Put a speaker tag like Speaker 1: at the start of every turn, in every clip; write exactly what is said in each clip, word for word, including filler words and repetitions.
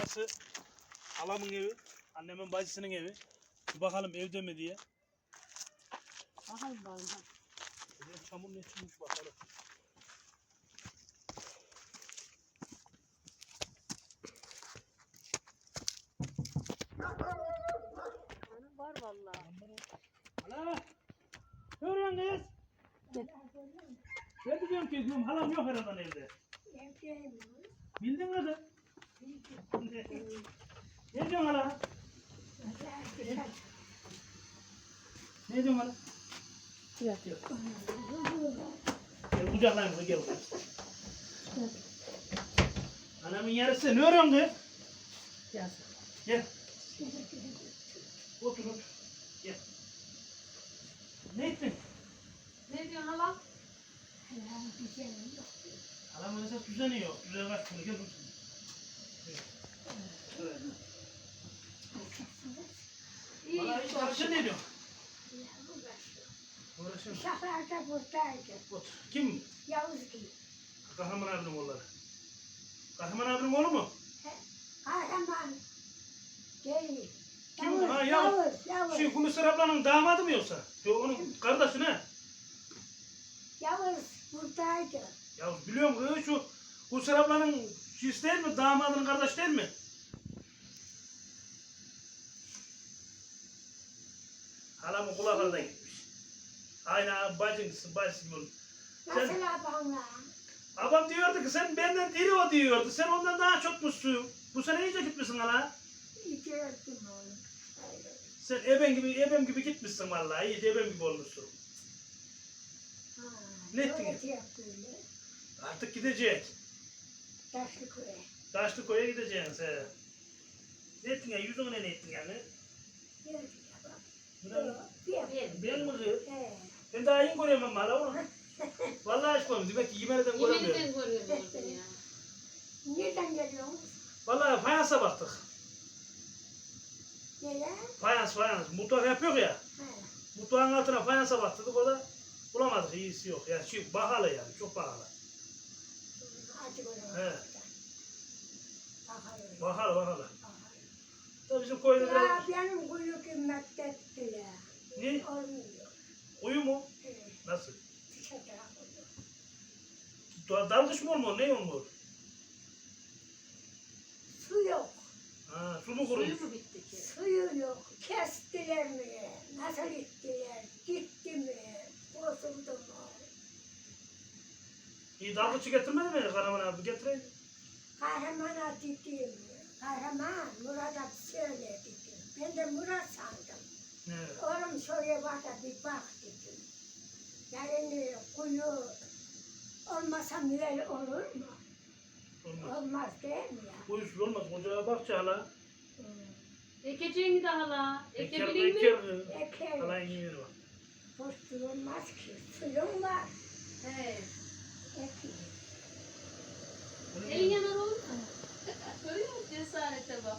Speaker 1: Burası halamın evi, annemin bacısının evi. Bir bakalım evde mi diye.
Speaker 2: Bakalım bakalım.
Speaker 1: Buraya çamur ne çıkmış bakalım.
Speaker 2: Var vallahi.
Speaker 1: Hala! Ne arıyorsun kız? Ben de diyorum ki diyorum, halam yok herhalde evde. Bildin mi kız? Ne diyorsun hala? Ne diyorsun hala?
Speaker 2: Yatıyor.
Speaker 1: Gel kucaklayayım kız, gel. Anamın yarısı ne arıyorsun kız?
Speaker 2: Yaz.
Speaker 1: Gel. Otur otur. Gel. Ne ettin?
Speaker 2: Ne diyorsun hala?
Speaker 1: Halamın esas düzeni yok. Düzeni kaç bunu gel. Evet.
Speaker 2: İyi.
Speaker 1: Valla hiç çalışın ne diyorsun? Uğraşın.
Speaker 3: Şaflarda buradaydı.
Speaker 1: Otur. Kim?
Speaker 3: Yavuz gibi.
Speaker 1: Kahraman abinin oğulları. Kahraman abinin oğlu mu?
Speaker 3: Kahraman. Değil.
Speaker 1: Kim?
Speaker 3: Yavuz,
Speaker 1: Ha, Yavuz.
Speaker 3: Yavuz, Yavuz.
Speaker 1: Şu Hulusi ablanın damadı mı yoksa? Yok onun kardeşi ne?
Speaker 3: Yavuz buradaydı.
Speaker 1: Ya biliyorum kız şu Hulusi ablanın şiş değil mi? Damadının kardeşi değil mi? Halamın kulaklarına gitmiş. Aynı bacınsın, bacısı gibi olmuş.
Speaker 3: Nasıl
Speaker 1: Sen,
Speaker 3: abamla?
Speaker 1: babam diyordu ki sen benden diri o diyordu. Sen ondan daha çokmuşsun. Bu sene iyice gitmişsin hala.
Speaker 3: İyi gördüm onu. Öyle.
Speaker 1: Sen eben gibi, ebem gibi gitmişsin vallahi. İyice ebem gibi olmuşsun.
Speaker 3: Ha,
Speaker 1: Ne ettin?
Speaker 3: öğretecek böyle.
Speaker 1: Artık gidecek.
Speaker 3: Taşlıköy'e.
Speaker 1: Taşlıkoy'a gideceksin sen. Ne ettin ya? Yüzüne ne ettin yani?
Speaker 3: Gördüm ya bak.
Speaker 1: Ne?
Speaker 3: Bir.
Speaker 1: Ben mi kız?
Speaker 3: He.
Speaker 1: Ben daha iyi görüyorum hala onu. Vallahi aşkım demek ki yemeneden göremiyorum.
Speaker 2: Yemeniden görüyorum orada ya.
Speaker 3: Nereden geliyorsunuz?
Speaker 1: Vallahi fayansa baktık.
Speaker 3: Nereye?
Speaker 1: Fayans fayans. Mutfak yapıyor ya.
Speaker 3: He.
Speaker 1: Mutfağın altına fayansa baktık. Orada bulamadık. İyisi yok. Yani şey pahalı yani. Çok pahalı.
Speaker 3: Hadi bakalım.
Speaker 1: He.
Speaker 3: Bakalım.
Speaker 1: Pahalı pahalı.
Speaker 3: Bakalım.
Speaker 1: Da bizim koyda biraz...
Speaker 3: Ya benim kuyu kıymetli ettiler.
Speaker 1: Ne?
Speaker 3: Olmuyor.
Speaker 1: Uyu mu?
Speaker 3: He.
Speaker 1: Nasıl?
Speaker 3: Dışarıda oluyor.
Speaker 1: Da- Dalgıç mı olmuyor? Ne olmuyor?
Speaker 3: Su yok.
Speaker 1: Ha, su mu kurumuş?
Speaker 2: Suyu mu bitti ki?
Speaker 3: Suyu yok. Kestiler mi? Nasıl gittiler? Gitti mi? Bozuldu mu?
Speaker 1: İyi dalgıçı getirmedi mi Karaman abi? Getireydi.
Speaker 3: Kahramana dedim. Kahraman Murat'a söyle dedim. Ben de Murat sandım.
Speaker 1: Evet.
Speaker 3: Oğlum şöyle bak da bir bak dedim. Yani kuyu olmasa müel olur mu?
Speaker 1: Olmaz.
Speaker 3: Olmaz değil mi ya?
Speaker 1: Uyusuz olmaz. Ocağa bak hala.
Speaker 3: Hmm.
Speaker 2: Ekeceğini de hala.
Speaker 1: Eker,
Speaker 2: Ekebilir mi?
Speaker 1: eker.
Speaker 3: Eker.
Speaker 1: Hala iniyor bak.
Speaker 3: Boş durulmaz ki. Suyun var.
Speaker 2: He.
Speaker 3: Ekin.
Speaker 2: Elin yanar olur mu? Görüyor musun cesarete bak.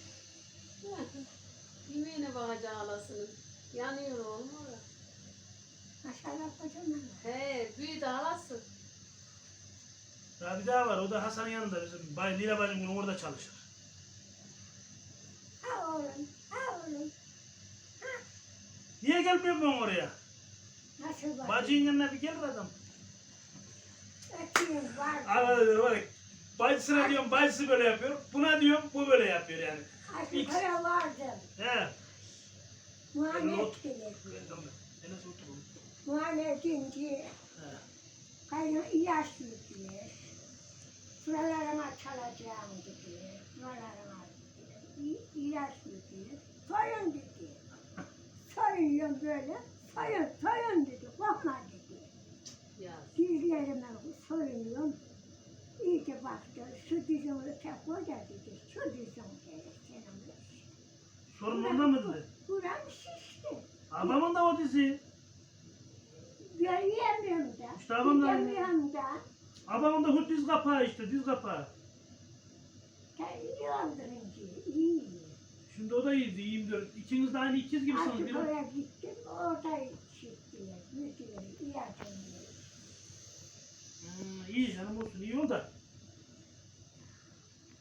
Speaker 2: Yemeğine bakacak halasının. Yanıyor oğlum orada.
Speaker 3: Maşallah kocaman.
Speaker 2: He, büyüdü halası.
Speaker 1: Daha bir daha var. O da Hasan'ın yanında. Bizim Bay Lila bacım bunu orada çalışır.
Speaker 3: Ha oğlum. Ha oğlum.
Speaker 1: Niye gelmiyor ben oraya?
Speaker 3: Nasıl var?
Speaker 1: Bacının yanına bir gelir adam.
Speaker 3: Ekin var.
Speaker 1: Arada bak. Bacısına diyorum bacısı böyle yapıyor. Buna diyorum bu böyle yapıyor yani.
Speaker 3: Aşkı para vardı.
Speaker 1: He.
Speaker 3: Muayene
Speaker 1: Not.
Speaker 3: ettiler.
Speaker 1: En az oturun.
Speaker 3: Muayene edince
Speaker 1: He.
Speaker 3: kayın ilaç dediler. Şuralarına çalacağım dediler. Şuralarına dediler. İ- İlaç dediler. Soyun dedi. Soyuyorum böyle. Soyun, soyun dedi. Korkma dedi.
Speaker 2: Ya.
Speaker 3: Dizlerime soyunuyorum. İyice baktı. Şu dizini tek koca dedi. Şu dizini gerek senin dedi.
Speaker 1: Sorun onda mı dedi?
Speaker 3: Buram şişti.
Speaker 1: Babamın da o dizi.
Speaker 3: Görüyemiyorum da.
Speaker 1: İşte babam da-
Speaker 3: Gidemiyorum da.
Speaker 1: Babamın da hut diz kapağı işte diz kapağı.
Speaker 3: Ya iyi öldürünce, iyi.
Speaker 1: Şimdi o da iyiydi iyiyim diyor. İkiniz de aynı ikiz gibisiniz.
Speaker 3: Artık
Speaker 1: Biraz...
Speaker 3: oraya gittim, orada işittiler, müdürü, iyi adamlar.
Speaker 1: Hmm, iyi canım olsun iyi ol da.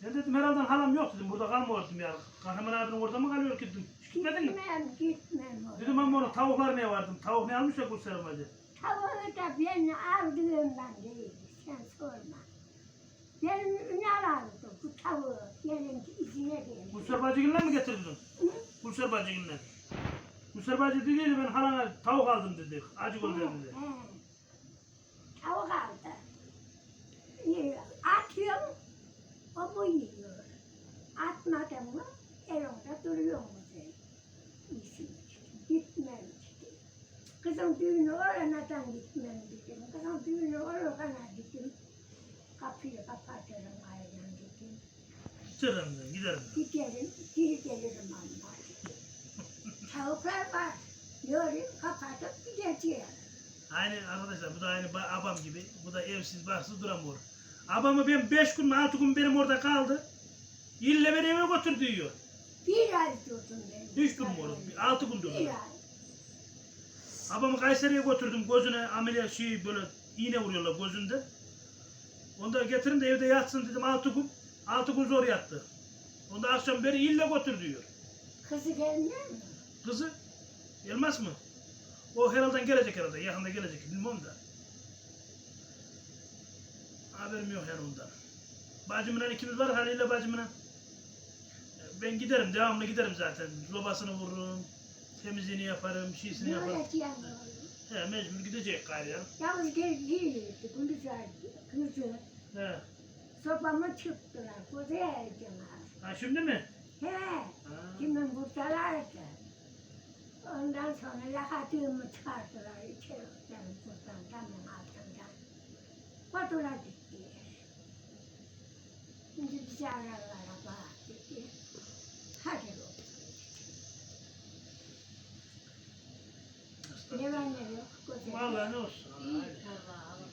Speaker 1: Ben dedim herhalde halam yok dedim. Burada kalmıyordum ya. Kahraman abinin orada mı kalıyor ki dedim. Hiç gitmedin mi?
Speaker 3: Gitmem, gitmem oraya.
Speaker 1: Dedim ama orada tavuklar ne vardım? Tavuk ne almış ya Gülser bacı?
Speaker 3: Tavuğu da ben aldığımdan değil, sen sorma. Benim Ünal aldı bu tavuğu, gelince izine geldi.
Speaker 1: Gülser bacıgille mi getirdin?
Speaker 3: Hı?
Speaker 1: Gülser bacıgille. Gülser bacı dedi ben halana tavuk aldım dedi. Acı gol dedi.
Speaker 3: He. Tavuk aldı. Ee, Atıyorum, o bu yiyor. Atmadım mı, elinde duruyor mu diye. İyisini içtim, gitmem işte. Kızım düğünü oranadan gitmem dedim. Kızım düğünü orana dedim. Kapıyı kapatırım ayran dedim.
Speaker 1: Giderim ben giderim.
Speaker 3: Giderim, geri gelirim amma dedim. Tavuklar var. Yorup kapatıp gideceğim.
Speaker 1: Aynı arkadaşlar bu da aynı ba- abam gibi. Bu da evsiz baksız duramıyor. Abamı ben beş gün mü altı gün benim orada kaldı. İlle beni eve götür diyor.
Speaker 3: Bir ay durdum ben.
Speaker 1: Hiç durmuyorum. Altı gün
Speaker 3: Bir
Speaker 1: durdum.
Speaker 3: ay.
Speaker 1: Abamı Kayseri'ye götürdüm. Gözüne ameliyat şey böyle iğne vuruyorlar gözünde. Onu da getirin de evde yatsın dedim altı gün. Altı gün zor yattı. Onda akşam beri ille götür diyor.
Speaker 3: Kızı gelmiyor mu?
Speaker 1: Kızı gelmez mi? O herhalde gelecek herhalde. Yakında gelecek. Bilmem da. Haberim yok yani ondan. Bacımla ikimiz var. Halil'le bacımla. Ben giderim. Devamlı giderim zaten. Lobasını vururum. Temizliğini yaparım. Şişini
Speaker 3: Ne
Speaker 1: yaparım.
Speaker 3: öğreteceğim oğlum?
Speaker 1: He mecbur gidecek gayrı ya.
Speaker 3: Yalnız gel girdi. Gündüzler kızı.
Speaker 1: He.
Speaker 3: Sobamı çıktılar. Kuzey ereceğim.
Speaker 1: Ha şimdi mi?
Speaker 3: He.
Speaker 1: Ha.
Speaker 3: Kimin buradalardı. Ondan sonra lakatığımı çıkarttılar içeri. Benim buradan damın altından. Fatura gittiler. Şimdi bizi ararlara bak dedi. Hadi oğlum. Ne var ne yok. Güzel.
Speaker 1: Vallahi ne olsun.
Speaker 2: İyi
Speaker 1: Aynen.
Speaker 2: Allah'ım.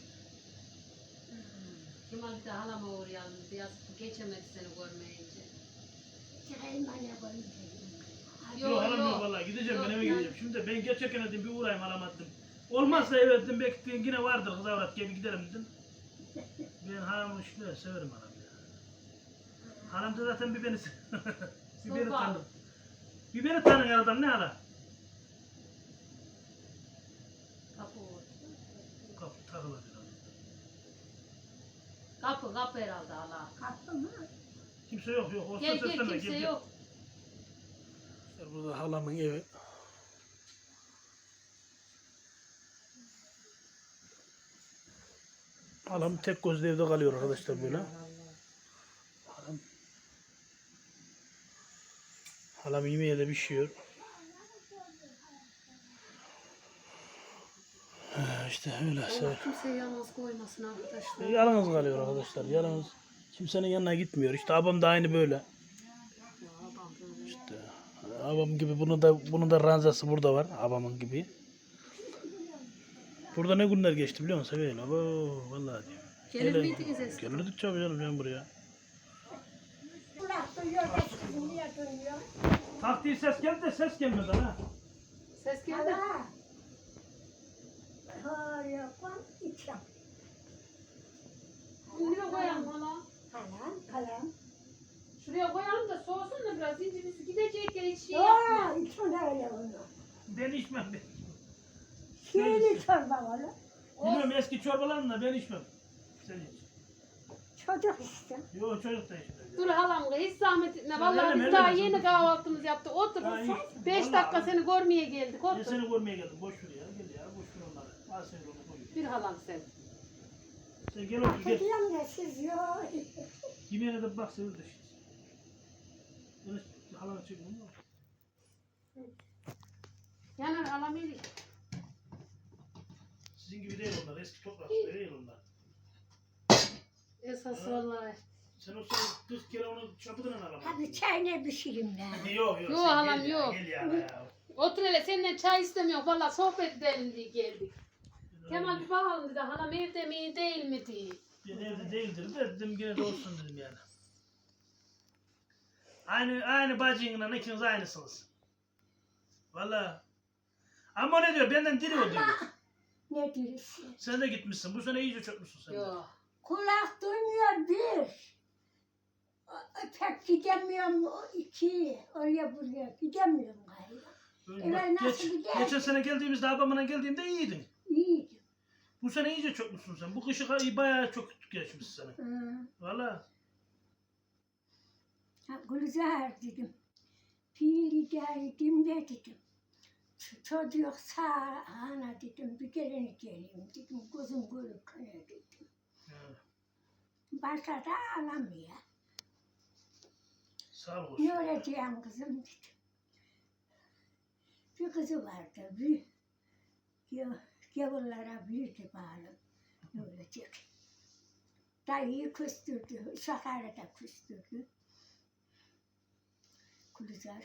Speaker 2: Cuma bir de halama uğrayalım. Biraz geçemedi seni görmeyince.
Speaker 3: Çıkayım bana koyayım.
Speaker 2: Yok,
Speaker 1: Yok halam
Speaker 2: yok.
Speaker 1: yok vallahi gideceğim
Speaker 2: Yok,
Speaker 1: ben eve
Speaker 2: yani-
Speaker 1: gideceğim. Şimdi ben geçerken dedim bir uğrayayım alamadım. Olmazsa eve dedim belki dedim, yine vardır kız avrat gibi giderim dedim. Ben halamı işte severim halamı ya. Halam da zaten bir beni bir beni
Speaker 2: Sorma.
Speaker 1: tanır. Bir beni tanır aradan ne hala?
Speaker 2: Kapı oldu.
Speaker 1: Kapı takılı biraz.
Speaker 2: Kapı, kapı herhalde hala.
Speaker 3: Kapı mı?
Speaker 1: Kimse yok yok. Olsa
Speaker 2: Gel gel
Speaker 1: seslenme,
Speaker 2: kimse
Speaker 1: gel,
Speaker 2: yok.
Speaker 1: gel. Burada halamın evi. Halam tek gözlü evde kalıyor arkadaşlar böyle. Halam, halam yemeğe de pişiyor. Ha, işte öyle.
Speaker 2: Allah kimseyi yalnız koymasın arkadaşlar.
Speaker 1: Yalnız kalıyor arkadaşlar. Yalnız kimsenin yanına gitmiyor. İşte abam da aynı böyle.
Speaker 2: Ya adam böyle.
Speaker 1: İşte abam gibi bunun da bunun da ranzası burada var. Abamın gibi. Burada ne günler geçti biliyor musun? Seveyim. Abo vallahi diyorum.
Speaker 2: Gelir
Speaker 1: Hele-
Speaker 2: miydiniz eskiden?
Speaker 1: Gelirdik tabii canım ben buraya.
Speaker 3: Kulak duyuyor da sizin niye duyuyor?
Speaker 1: Taktiği ses geldi de ses gelmedi ha.
Speaker 2: Ses geldi.
Speaker 3: Hala. Hayır, kon içim.
Speaker 2: Şuraya koyalım hala.
Speaker 3: Kalam, kalam.
Speaker 2: Şuraya koyalım da soğusun da biraz zincirimizi gidecek ya hiç şey
Speaker 3: Yoo,
Speaker 2: yapma.
Speaker 3: içim öyle onu.
Speaker 1: Ben içmem. Ben.
Speaker 3: Şiirli çorba var.
Speaker 1: Bilmiyorum eski çorbalarını da ben içmem. Sen iç.
Speaker 3: Çocuk işte.
Speaker 1: Yok çocuk da içmez.
Speaker 2: Dur halam hiç zahmet etme.
Speaker 1: Sen
Speaker 2: Vallahi
Speaker 1: eleme,
Speaker 2: biz daha
Speaker 1: eleme,
Speaker 2: yeni
Speaker 1: dur.
Speaker 2: kahvaltımızı yaptık. Otur.
Speaker 1: Ha, iyi.
Speaker 2: Beş
Speaker 1: Vallahi
Speaker 2: dakika
Speaker 1: abi.
Speaker 2: seni görmeye geldik.
Speaker 1: Ben
Speaker 2: Otur.
Speaker 1: seni görmeye geldim. Boş ver ya. Gel ya. Boş ver onları. Al seni onu koy.
Speaker 2: Bir halam sen.
Speaker 1: Sen gel otur gel.
Speaker 3: Kediyorum da siz yok.
Speaker 1: Yemeğine de bak seviyor da şimdi. Yunus halanı çekin onu.
Speaker 2: Yanar halam eli.
Speaker 1: Sizin gibi değil onlar. Eski toprak işte değil onlar.
Speaker 2: Esas vallahi.
Speaker 1: Sen o sırada kırk kere onu çapıdın alamadın.
Speaker 3: Hadi çay ne pişireyim ben.
Speaker 1: Yok yok.
Speaker 2: Yok,
Speaker 1: sen
Speaker 2: halam,
Speaker 1: gel ya,
Speaker 2: yok.
Speaker 1: Gel ya. ya.
Speaker 2: Otur hele senden çay istemiyor. Vallahi sohbet edelim diye geldik. Kemal bir bakalım dedi. Halam evde mi değil mi diye.
Speaker 1: Ben evde değildir de dedim yine de olsun dedim yani. Aynı aynı bacıyla ikiniz aynısınız. Valla. Ama ne diyor? Benden diri o diyor.
Speaker 3: Ne diyorsun?
Speaker 1: Sen de gitmişsin. Bu sene iyice çökmüşsün sen de.
Speaker 2: Yok.
Speaker 3: Kulak duymuyor bir. pek gidemiyorum o iki oraya buraya gidemiyorum galiba.
Speaker 1: Öyle
Speaker 3: Evet,
Speaker 1: bak,
Speaker 3: nasıl
Speaker 1: geç,
Speaker 3: gider?
Speaker 1: geçen sene geldiğimizde abamla geldiğimde iyiydin.
Speaker 3: İyiydi.
Speaker 1: Bu sene iyice çokmuşsun sen. Bu kışı ka- bayağı çok geçmiş sana.
Speaker 3: Hı.
Speaker 1: Valla.
Speaker 3: Ha, Gülzar dedim. Fiili geldim de dedim. Ç- Çocuk sağ ana dedim. Bir gelin geleyim dedim. Gözüm görürken dedim.
Speaker 1: Evet.
Speaker 3: Başka da alamıyor.
Speaker 1: Sağ ol olsun.
Speaker 3: Ne olacağım kızım dedim. Bir kızı vardı. Bir gav- gavurlara büyüdü bağlı. Ne olacak? Dayıyı küstürdü. Sakarya da küstürdü. Gülzar.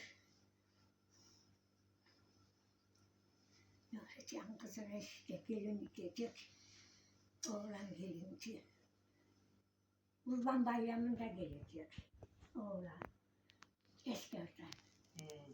Speaker 3: Ne olacağım kızına işte gelin gidecek. Oğlan gelince. Kurban bayramında gelecek. Oğlan. Eskerden.
Speaker 1: Hmm.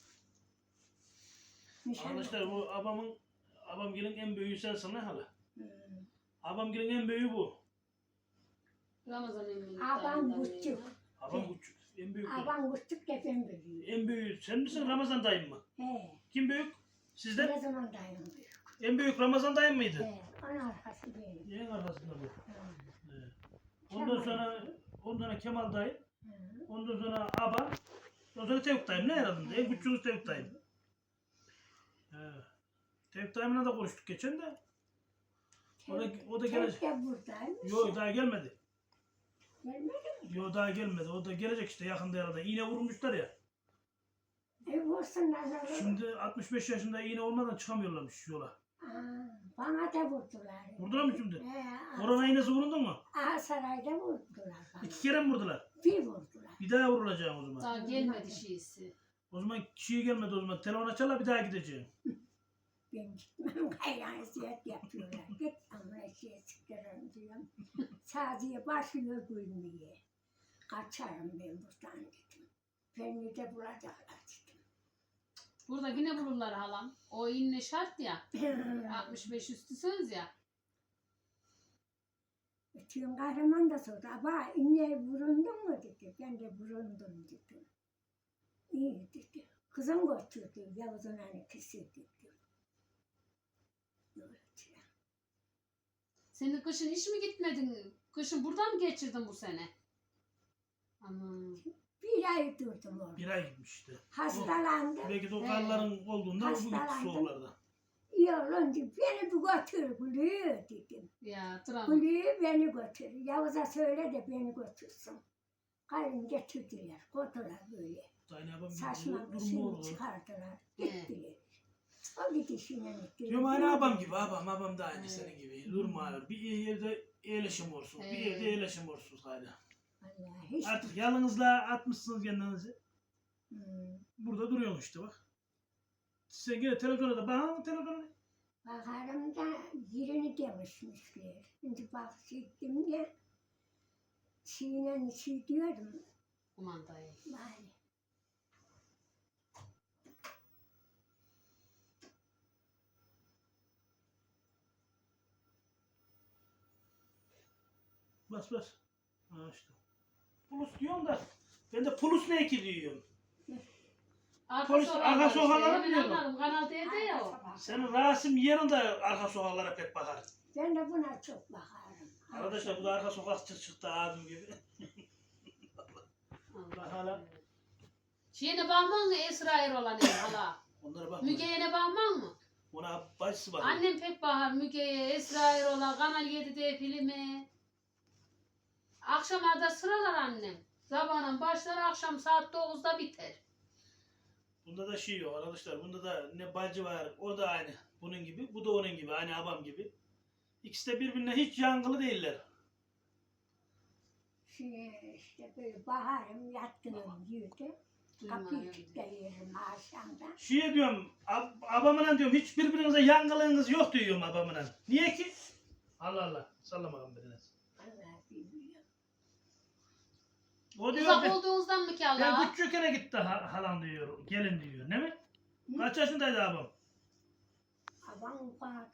Speaker 3: Nişan
Speaker 1: Arkadaşlar bu abamın abamgilin en büyüğü sensin ne hala?
Speaker 3: Hmm.
Speaker 1: Abamgilin en büyüğü bu.
Speaker 2: Ramazan emmi.
Speaker 3: Abam küçük.
Speaker 1: Abam küçük. En büyük bu.
Speaker 3: Abam küçük de ben büyüğüm.
Speaker 1: En büyüğü sen misin Ramazan dayın mı?
Speaker 3: He.
Speaker 1: Kim büyük? Sizden?
Speaker 3: Ne zaman dayım büyük.
Speaker 1: En büyük Ramazan dayın mıydı?
Speaker 3: He. Onun arkası benim.
Speaker 1: En arkasında bu.
Speaker 3: Hı.
Speaker 1: Evet. Ondan sonra ondan sonra Kemal dayı.
Speaker 3: Hı.
Speaker 1: Ondan sonra Aba. Ondan sonra Tevfik dayım. Ne herhalde? En küçüğümüz Tevfik dayım. Evet. Tevfik dayımla da konuştuk geçen de. O da, o da gelecek.
Speaker 3: Tek de buradaymış.
Speaker 1: Yok daha gelmedi.
Speaker 3: Gelmedi mi?
Speaker 1: Yok daha gelmedi. O da gelecek işte yakında herhalde. İğne vurmuşlar ya.
Speaker 3: E vursunlar da vurun.
Speaker 1: Şimdi altmış beş yaşında iğne olmadan çıkamıyorlarmış yola.
Speaker 3: Aa, bana da vurdular.
Speaker 1: Vurdular mı şimdi?
Speaker 3: He.
Speaker 1: Korona iğnesi vuruldu mu?
Speaker 3: Aa, sarayda vurdular bana.
Speaker 1: İki kere mi vurdular?
Speaker 3: Bir vurdular.
Speaker 1: Bir daha vurulacağım o zaman.
Speaker 2: Daha gelmedi şeysi.
Speaker 1: O zaman kişiye gelmedi o zaman. Telefon açarlar bir daha gideceğim.
Speaker 3: Ben gitmem gayran ziyet yapıyorlar. Git ama şey sıkırım diyorum. Sadece başlıyor gülmeye. Kaçarım ben buradan dedim. Beni de bulacaklar dedim.
Speaker 2: Burada yine bulurlar halam. O inne şart ya. altmış beş üstüsünüz ya.
Speaker 3: Tüm kahraman da sordu. Aba inne vurundun mu dedi. Ben de vurundum dedim. İyi dedi. Kızım götürdü. Yavuz'un annesi dedi.
Speaker 2: Senin kışın hiç mi gitmedin? Kışın burada mı geçirdin bu sene? Aman.
Speaker 3: Bir ay durdum orada.
Speaker 1: Bir ay gitmiş işte.
Speaker 3: Hastalandım.
Speaker 1: Belki de o
Speaker 2: He.
Speaker 1: karların olduğundan bu gitti
Speaker 3: Hastalandım.
Speaker 1: soğuklarda.
Speaker 3: İyi olunca beni bir götür Gülü dedim.
Speaker 2: Ya Tram.
Speaker 3: Gülü beni götür. Yavuz'a söyle de beni götürsün. Kayın getirdiler. Koydular böyle.
Speaker 1: Dayın abam
Speaker 3: Saçma
Speaker 1: bir
Speaker 3: bir
Speaker 1: durumu
Speaker 3: şey
Speaker 1: oldu.
Speaker 3: çıkardılar.
Speaker 2: He.
Speaker 3: Gittiler. O gidişine gitti.
Speaker 1: Diyorum aynı abam gibi abam abam da aynı
Speaker 2: He.
Speaker 1: senin gibi. Durma bir yerde yerleşim olsun. Bir
Speaker 2: He.
Speaker 1: yerde yerleşim olsun hala.
Speaker 3: Vallahi hiç.
Speaker 1: Artık yalnızlığa atmışsınız kendinizi.
Speaker 3: Hmm.
Speaker 1: Burada duruyorsun işte bak. Sen yine televizyona da bakın televizyona.
Speaker 3: Bakarım da yerini demişmişler. Şimdi bak gittim de çiğnen çiğ diyordum.
Speaker 2: Kumandayı.
Speaker 3: Bari.
Speaker 1: Bas bas. Ha işte. Pulus diyorum da ben de pulus ne ki diyorum.
Speaker 2: Arka
Speaker 1: Polis-
Speaker 2: sokaklar
Speaker 1: arka
Speaker 2: işte.
Speaker 1: sokaklara
Speaker 2: Hemen
Speaker 1: biliyorum.
Speaker 2: anladım. Kanal D'de ya o.
Speaker 1: Senin Rasim yanında arka sokaklara pek bakar.
Speaker 3: Ben de buna çok bakarım.
Speaker 1: Arkadaşlar bu da arka sokak çık- çıktı abim gibi. Bak hala.
Speaker 2: Şeyine bakman mı Esra Erol'a ne hala?
Speaker 1: Onlara bak.
Speaker 2: Müge'ye ne bakman mı?
Speaker 1: Ona bacısı bakıyor.
Speaker 2: Annem pek bahar Müge'ye, Esra Erol'a, Kanal yedide filmi. Akşama da sıralar annem. Sabahın başlar akşam saat dokuzda biter.
Speaker 1: Bunda da şey yok arkadaşlar. Bunda da ne bacı var. O da aynı. Bunun gibi. Bu da onun gibi. Aynı abam gibi. İkisi de birbirine hiç yangılı değiller.
Speaker 3: Şey, işte böyle baharım yattığım yerde. Kapıyı
Speaker 2: Duymuyor.
Speaker 3: kilitleyelim akşamda.
Speaker 1: Şeye diyorum. Ab abamla diyorum. Hiç birbirinize yangılığınız yok diyorum abamla. Niye ki? Allah Allah. Sallama kan biriniz.
Speaker 3: Allah bilmiyor.
Speaker 1: O diyor.
Speaker 2: Uzak
Speaker 1: Ben,
Speaker 2: olduğunuzdan mı ki
Speaker 1: ben
Speaker 2: Allah?
Speaker 1: küçükken gitti ha- halam diyor. Gelin diyor. Ne mi?
Speaker 3: Hı?
Speaker 1: Kaç yaşındaydı abam?
Speaker 3: Babam ufadılar.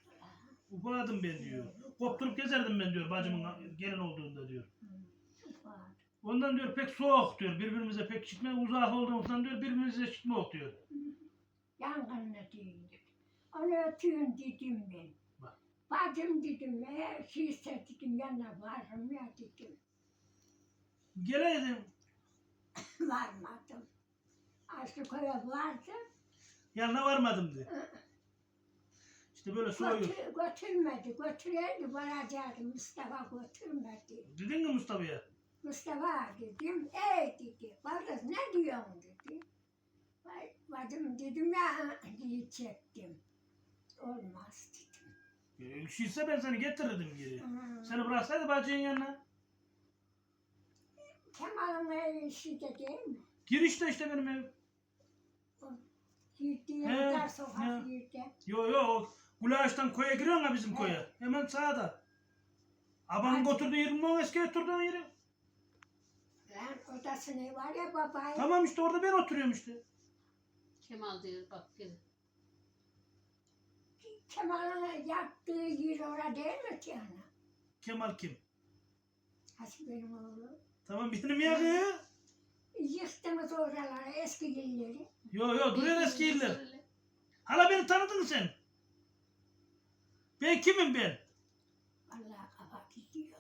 Speaker 1: Ufadım ben diyor. Kopturup gezerdim ben diyor bacımın gelin olduğunda diyor.
Speaker 3: Ufadı.
Speaker 1: Ondan diyor pek soğuk diyor. Birbirimize pek çıkma. Uzak olduğumuzdan diyor birbirimize çıkma diyor.
Speaker 3: Yangınla değildir. Onu ötüyün dedim ben.
Speaker 1: Bak.
Speaker 3: Bacım dedim, eğer şeyse dedim, yanına varım ya dedim.
Speaker 1: Geleydim.
Speaker 3: Varmadım. Aslı koya vardı.
Speaker 1: Yanına varmadım diyor. İşte böyle soğuyor.
Speaker 3: Götür, götürmedi. Götüreydi varacaktı. Mustafa götürmedi.
Speaker 1: Dedin mi Mustafa'ya?
Speaker 3: Mustafa dedim, ey dedi. Kardeş ne diyorsun dedi. Vay, Bacım dedim ya diye çektim. Olmaz dedim.
Speaker 1: E, şeyse ben seni getirirdim geri.
Speaker 3: Hmm.
Speaker 1: Seni bıraksaydı bacının yanına.
Speaker 3: Kemal'ın evi şeyde değil mi?
Speaker 1: Girişte işte benim ev.
Speaker 3: Girdiği
Speaker 1: He,
Speaker 3: dar sokak
Speaker 1: he.
Speaker 3: yerde.
Speaker 1: Yo yo o Gulaş'tan koya giriyorsun ha bizim koya. Hemen sağda. Abanın
Speaker 3: Hadi.
Speaker 1: götürdüğü yerin mi o eski oturduğun yeri?
Speaker 3: Lan odasını var ya babayı.
Speaker 1: Tamam işte orada ben oturuyorum işte.
Speaker 2: Kemal diyor bak gel.
Speaker 3: Kemal'ın yattığı yer orada değil mi Tiana?
Speaker 1: Kemal kim?
Speaker 3: Hasip benim oğlum.
Speaker 1: Tamam benim ya kız.
Speaker 3: Yıktınız oraları eski yerleri.
Speaker 1: Yo yo duruyor eski yerler. Hala beni tanıdın mı sen? Ben kimim ben?
Speaker 3: Vallahi kafa gidiyor.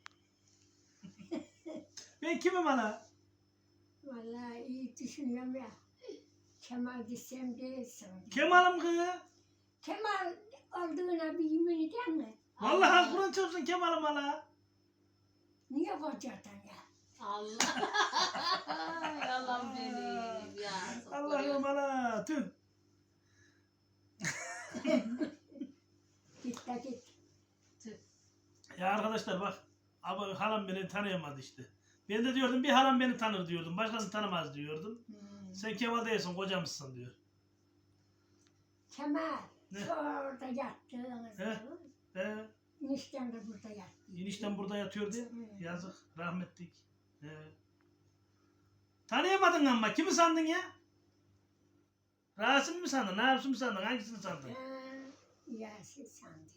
Speaker 1: Ben kimim hala?
Speaker 3: Vallahi iyi düşünüyorum ya. Kemal desem değilsin.
Speaker 1: Kemal'im kız.
Speaker 3: Kemal olduğuna bir yemin eder mi?
Speaker 1: Vallahi Kur'an çarpsın Kemal'im hala.
Speaker 3: Niye kocadan ya?
Speaker 2: Allah. Ay Allah'ım benim ya.
Speaker 1: Allah'ım hala. Tüh.
Speaker 3: Git de git.
Speaker 1: Ya arkadaşlar bak. Abi halam beni tanıyamadı işte. Ben de diyordum bir halam beni tanır diyordum. Başkası tanımaz diyordum.
Speaker 3: Hmm.
Speaker 1: Sen Kemal değilsin kocamızsın diyor.
Speaker 3: Kemal,
Speaker 1: Ne?
Speaker 3: şu orada yattığınız
Speaker 1: He?
Speaker 3: zaman,
Speaker 1: He.
Speaker 3: eniştem de burada yattı.
Speaker 1: Enişten burada yatıyor diye.
Speaker 3: Hı.
Speaker 1: Yazık. Rahmetlik. He. Tanıyamadın ama kimi sandın ya? Rasim mi sandın? Nasim mi sandın? Hangisini sandın?
Speaker 3: Ha, Yasin sandım.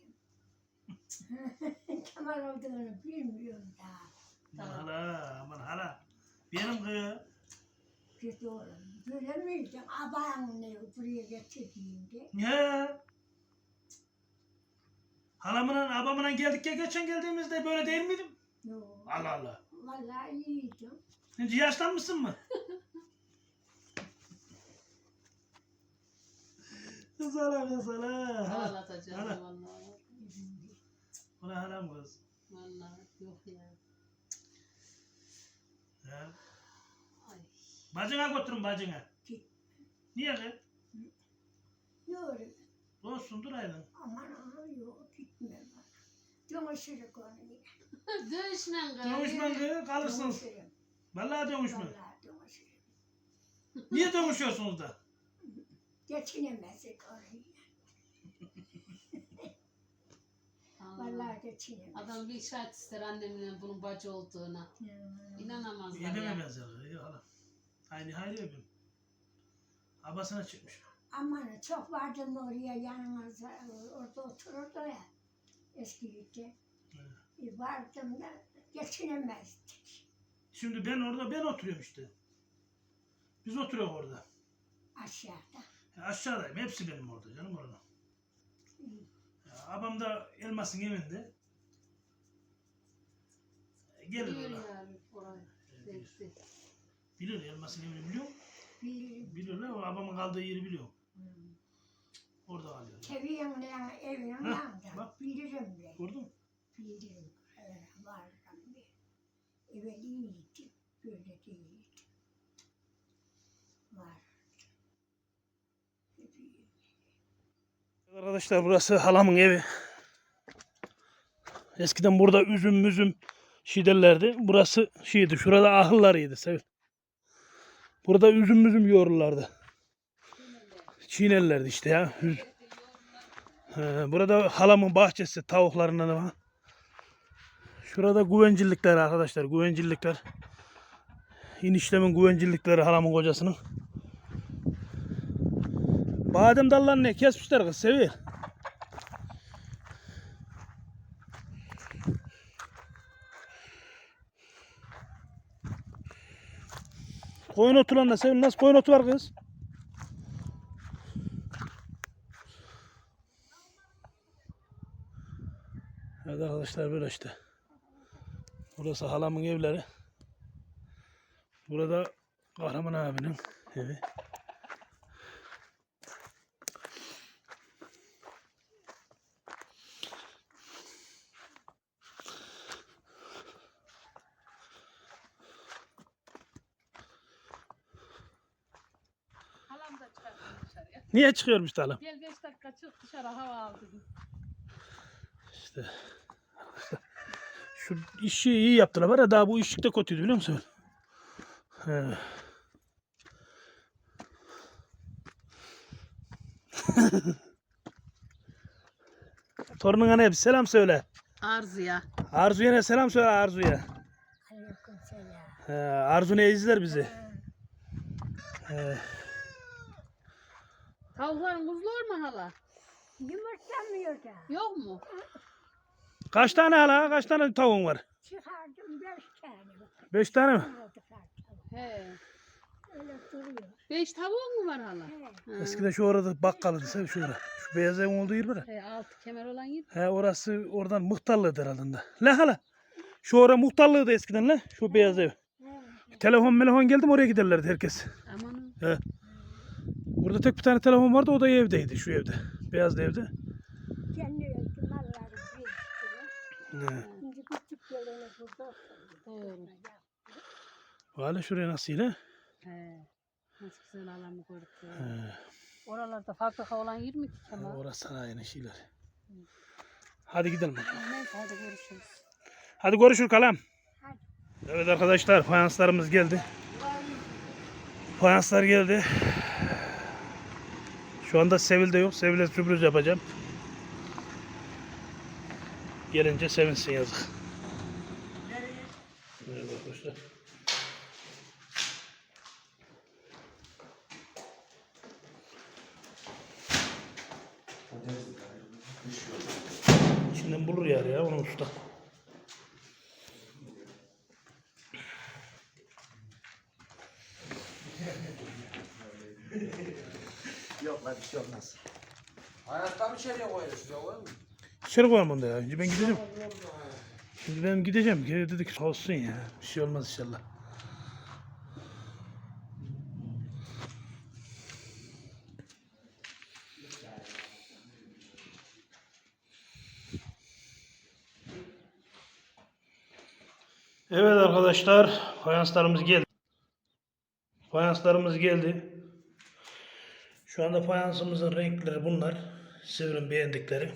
Speaker 3: Kemal olduğunu bilmiyorum daha.
Speaker 1: Aman hala, aman hala. Benim kız.
Speaker 3: Kötü oğlum. Böyle miydin? Abağın ne buraya getirdiğinde.
Speaker 1: He. Halamla, abamla geldik ya geçen geldiğimizde böyle değil miydim?
Speaker 3: Yok.
Speaker 1: Allah Allah.
Speaker 3: Vallahi iyiydim.
Speaker 1: Şimdi yaşlanmışsın mı? Kız hala kız hala. Hala.
Speaker 2: Ağlatacağım
Speaker 1: Hala.
Speaker 2: vallahi.
Speaker 1: Ulan halam kız.
Speaker 2: Vallahi yok ya.
Speaker 1: He.
Speaker 2: Ay.
Speaker 1: Bacına götürün bacına.
Speaker 3: Git.
Speaker 1: Niye kız?
Speaker 3: Yok.
Speaker 1: Olsun dur aydın.
Speaker 3: Aman aman yok gitme bana. Dönüşürük onu yine.
Speaker 2: Dövüşmen kız.
Speaker 1: Dövüşmen kız kalırsınız.
Speaker 3: Dönüşürüm.
Speaker 1: Vallahi dövüşme.
Speaker 3: Vallahi dönüşürüm.
Speaker 1: Niye dövüşüyorsunuz da?
Speaker 3: Geçinemezdik orayı.
Speaker 2: Allah.
Speaker 3: Vallahi geçinemezdik.
Speaker 2: Adam bir işaret ister annemle bunun bacı olduğuna.
Speaker 3: Hmm.
Speaker 2: İnanamazlar
Speaker 1: Yedeme
Speaker 2: ya.
Speaker 1: benzer. Yok hala. Aynı hayli öpüm. Abasına çıkmış.
Speaker 3: Aman çok vardım oraya yanımızda orada otururdu ya eskiydi. E, vardım da geçinemezdik.
Speaker 1: Şimdi ben orada ben oturuyorum işte. Biz oturuyoruz orada.
Speaker 3: Aşağıda.
Speaker 1: Ya aşağıdayım. Hepsi benim orada canım orada.
Speaker 3: Hı.
Speaker 1: Ya, abam da elmasın evinde. E, Gelir
Speaker 2: Biliyor
Speaker 1: orada.
Speaker 2: yani orayı.
Speaker 1: E, bilir.
Speaker 2: Bekle.
Speaker 1: Bilir elmasın evini biliyor.
Speaker 3: Bilirim.
Speaker 1: Bilirler o abamın kaldığı yeri biliyor.
Speaker 3: Hmm.
Speaker 1: Orada kalıyor.
Speaker 3: Keviye'nin evinin
Speaker 1: Heh,
Speaker 3: yanında.
Speaker 1: bak.
Speaker 3: Bilirim ben.
Speaker 1: Gördün mü?
Speaker 3: Bilirim. Öyle vardım ben. Evet iyiydi. Böyle değildi. Var. Hep iyi.
Speaker 1: Arkadaşlar burası halamın evi. Eskiden burada üzüm müzüm şey derlerdi. Burası şeydi. Şurada ahıllarıydı. Sevil. Burada üzüm müzüm yoğururlardı. Çiğnerlerdi işte ya. Üz- He, burada halamın bahçesi tavuklarından var. Şurada güvencillikler arkadaşlar. Güvencillikler. İnişlemin güvencillikleri halamın kocasının. Badem dallarını ne kesmişler kız Sevil. Koyun otu lan Sevil, nasıl koyun otu var kız? Evet arkadaşlar böyle işte. Burası halamın evleri. Burada Kahraman abinin evi.
Speaker 2: Halam da çıkarttı dışarıya.
Speaker 1: Niye çıkıyormuş da halam?
Speaker 2: Gel beş dakika çık dışarı hava al dedim.
Speaker 1: İşte. Şu işi iyi yaptılar var ya, daha bu işlik de kötüydü biliyor musun? He. Torununa ne bir selam söyle.
Speaker 2: Arzuya.
Speaker 1: Arzu'ya ne selam söyle Arzu'ya.
Speaker 3: Aleykümselam.
Speaker 1: He, Arzu ne izler bizi. He.
Speaker 2: Tavukların kuzular mı hala?
Speaker 3: Yumurtlamıyor da.
Speaker 2: Yok mu?
Speaker 1: Kaç tane hala? Kaç tane tavuğun var?
Speaker 3: Çıkardım beş tane.
Speaker 1: Beş tane mi?
Speaker 3: Çıkardık artık.
Speaker 2: He.
Speaker 3: Öyle duruyor.
Speaker 2: Beş tavuğun mu var hala?
Speaker 3: He.
Speaker 2: Ha.
Speaker 1: Eskiden şu orada bakkalıydı sen şurada. Şu beyaz evin olduğu yer var ya.
Speaker 2: He, altı kemer olan yer.
Speaker 1: He, orası oradan muhtarlığıydı herhalde. La hala. Şu ora muhtarlığıydı eskiden la. Şu beyaz ev.
Speaker 3: He.
Speaker 1: Telefon telefon geldi mi oraya giderlerdi herkes.
Speaker 2: Aman.
Speaker 1: He. Burada tek bir tane telefon vardı, o da evdeydi, şu evde. Beyaz evde.
Speaker 3: Kendi öldü malları bir
Speaker 1: He.
Speaker 3: Şimdi küçük gelene burada oturuyor.
Speaker 2: Doğru.
Speaker 1: Valla şuraya nasıl ile?
Speaker 2: He. Nasıl güzel alanı gördük. ya.
Speaker 1: He.
Speaker 2: Oralarda fabrika olan yer mi ki
Speaker 1: Ha,
Speaker 2: Kemal?
Speaker 1: orası sanayinin şeyleri. Hadi gidelim.
Speaker 2: Neyse hadi görüşürüz.
Speaker 1: Hadi görüşürüz kalam.
Speaker 3: Hadi.
Speaker 1: Evet arkadaşlar, fayanslarımız geldi. Fayanslar geldi. Şu anda Sevil de yok. Sevil'e sürpriz yapacağım. Gelince sevinsin yazık. Evet arkadaşlar. İçinden bulur yer ya onu usta.
Speaker 4: Yok lan bir şey olmaz. Hayatta mı içeriye koyuyorsun? Şuraya koyalım mı?
Speaker 1: İçeri koyalım onu da ya. Şimdi ben gideceğim. Şimdi ben gideceğim. Geri dedik olsun ya. Bir şey olmaz inşallah. Evet arkadaşlar, fayanslarımız geldi. Fayanslarımız geldi. Şu anda fayansımızın renkleri bunlar. Sevil'in beğendikleri.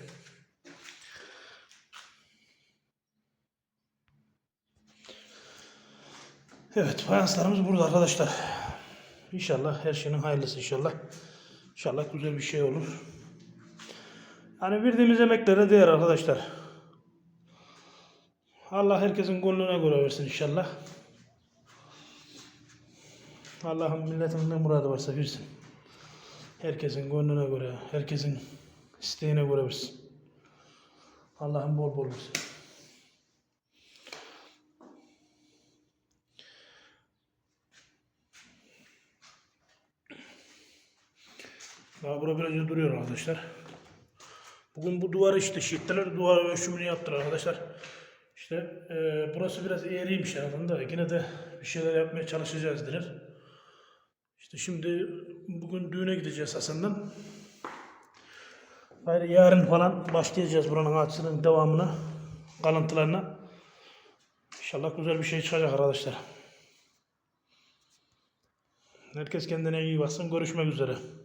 Speaker 1: Evet, fayanslarımız burada arkadaşlar. İnşallah her şeyin hayırlısı inşallah. İnşallah güzel bir şey olur. Hani verdiğimiz emeklere değer arkadaşlar. Allah herkesin gönlüne göre versin inşallah. Allah'ın milletin ne muradı varsa versin. Herkesin gönlüne göre, herkesin isteğine göre versin. Allah'ın bol bol versin. Daha burada biraz duruyor arkadaşlar. Bugün bu duvarı işte şiittiler, duvar ölçümünü yaptılar arkadaşlar. İşte e, burası biraz eğriymiş herhalde da yine de bir şeyler yapmaya çalışacağız dediler. İşte şimdi bugün düğüne gideceğiz Hasan'dan. Hayır, yarın falan başlayacağız buranın açısının devamına, kalıntılarına. İnşallah güzel bir şey çıkacak arkadaşlar. Herkes kendine iyi baksın. Görüşmek üzere.